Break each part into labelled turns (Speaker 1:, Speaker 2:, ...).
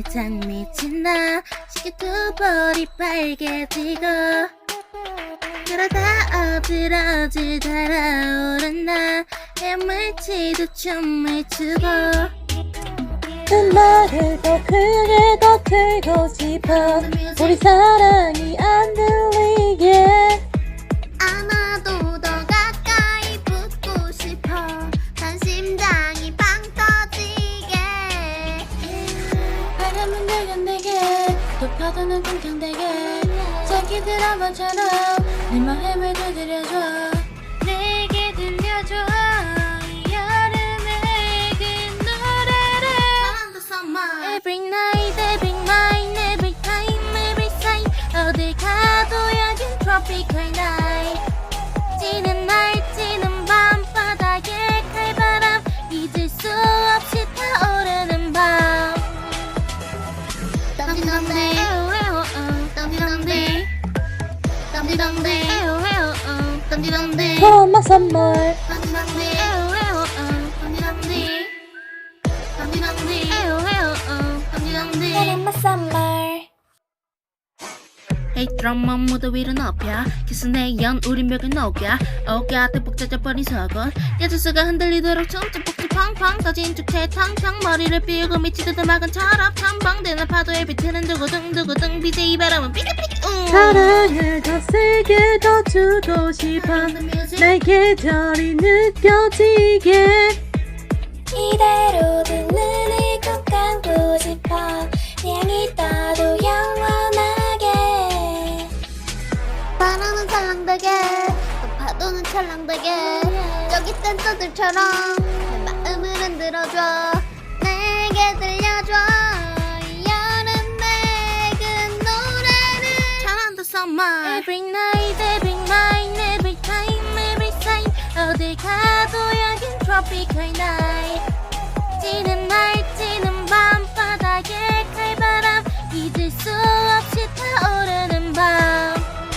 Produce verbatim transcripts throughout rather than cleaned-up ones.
Speaker 1: 살짝 미친 나 시계 두 볼이 빨개지고 그러다 어지러지 달아오른 나 헤엄을 치듯 춤을 추고
Speaker 2: 그 말을 더 크게 더 틀고 싶어 우리 사랑이 안 들리게
Speaker 1: 아마도 더 가까이 붙고 싶어 난 심장이 빵 터지게
Speaker 2: 바람은 내겐내게 높아도는 쿵쾅대게 자기 드라마처럼 내 마음을 두드려줘
Speaker 1: 내게 들려줘 이 여름의 그 노래를 Summer Every night, every night, every time, every time 어딜 가도 여긴 tropical night 지는 날 지는 밤바닥에 칼바람 잊을 수 없이 타오르는 밤 덤디덤디 덤디덤디 덤디덤디 덤디덤디
Speaker 2: 고마 선물
Speaker 1: 덤디덤디 덤디덤디 덤디덤디 덤디덤디
Speaker 2: 고마 선물
Speaker 1: Hey 드럼만 무대 위로 높여 키스내 연 우린 벽에 녹여 어깨 대폭 젖어버린 속옷 야주스가 흔들리도록 춤추 폭주 팡팡 터진 축제 탕탕 머리를 삐우고 미치듯 음악은 철업 탐방되는 파도에 비트는 두구둥두구둥 비제이 바람은 삐까삐까 웅
Speaker 2: 사랑을 더 세게 더 주고 싶어 내 계절이 느껴지게 이대로 두 눈을 꼭 감고 싶어 네 향이 따도 영원하게
Speaker 1: 바람은 찰랑되게 또 파도는 찰랑되게 저기 댄서들처럼 내 마음을 흔들어줘 내게 들려줘 이 여름의 그 노래를 잘한다 Summer Every night, every night, every time, every time 어딜 가도 여긴 tropical night 지는 날 지는 밤바닥에 칼바람 잊을 수 없이 타오르는 밤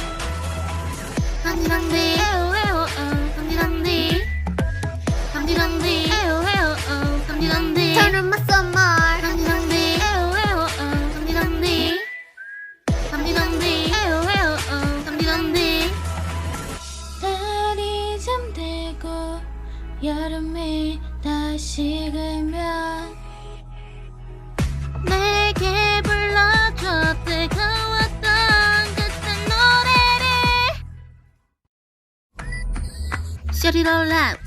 Speaker 1: 덤디덤디 덤디덤디 덤디덤디 덤디덤디 Turn on my summer 덤디덤디 덤디덤디 덤디덤디 덤디덤디
Speaker 2: 달이 잠들고 여름이 다시 들면
Speaker 1: 내게 불러줘 뜨거웠던 그때 노래를 Shut it all out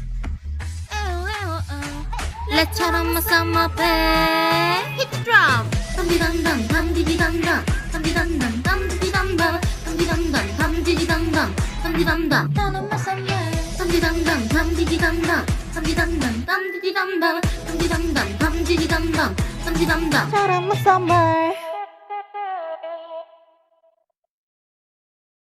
Speaker 1: Let's turn on my summer babe Hit the drum 덤디덤덤 덤디디덤덤 덤디덤덤 덤디디덤덤 덤디덤덤 덤디디덤덤 덤디덤덤
Speaker 2: Turn on my summer
Speaker 1: 덤디덤덤 덤디디덤덤 덤디덤덤 덤디디덤덤 덤디덤덤 덤디디덤덤 덤디덤덤
Speaker 2: Turn on my summer